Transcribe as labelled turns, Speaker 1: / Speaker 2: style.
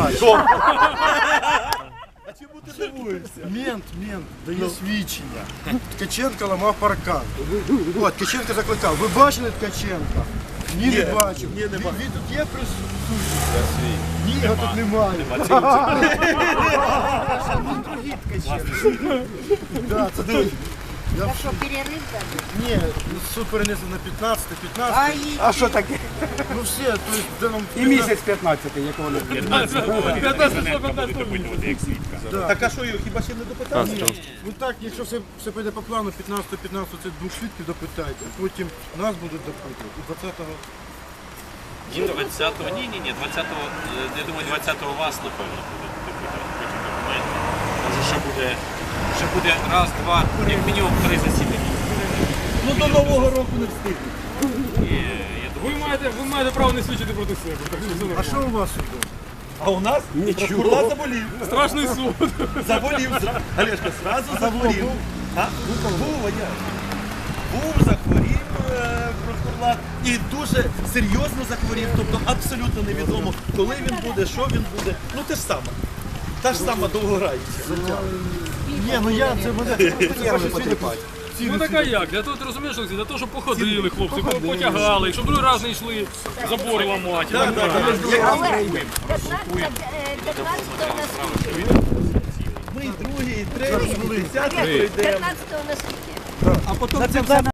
Speaker 1: Що? А чому ти дивуєшся?
Speaker 2: Мент дає свідчення. Ткаченко ламав паркан. От, Ткаченко закликав. Ви бачили Ткаченка? Ні, не бачив.
Speaker 1: Ні, нема.
Speaker 2: Він тут є присутній? Ні, його тут немає. Другий Ткаченко. Да, це той.
Speaker 3: Так що перерив даже?
Speaker 2: Ні, суд перенесли на 15.
Speaker 4: А що таке?
Speaker 2: Ну все, то есть, де нам...
Speaker 4: І місяць 15-й, якого не буде.
Speaker 5: 15 як свідка.
Speaker 1: Так а що його, хіба ще не допитав?
Speaker 2: Ну так, якщо все піде по плану, 15 це двох свідків допитайте, потім нас будуть допитувати. І 20-го...
Speaker 5: Ні, 20-го, ні, 20-го, я думаю, 20-го вас, напевно, буде допитувати. Потім документи. Може, ще буде раз, два, як мінімум 3 засідання.
Speaker 1: Ну до Нового року не встигне.
Speaker 6: Ви маєте право не свідчити проти себе.
Speaker 2: А що у вас тут?
Speaker 1: А у нас прокурор заболів.
Speaker 6: Страшний суд.
Speaker 1: Заболів. Олешка, сразу захворів. А? Був, я. Був, захворів прокурор. І дуже серйозно захворів. Тобто абсолютно невідомо, коли він буде, що він буде. Ну те ж саме. Та ж сама довгограюча.
Speaker 2: Ні, ну я це мене нерви потріпати.
Speaker 6: Ну така як? Для того ти розумієш, Олексій, для того, щоб походили хлопці, потягали, щоб другий раз не йшли забори ламати.
Speaker 1: Так, так, так.
Speaker 3: Але 15-го на суді.
Speaker 1: Ми і другий, і третій, і 10-й прийдемо.
Speaker 3: 15-го на суді.
Speaker 4: А потім це все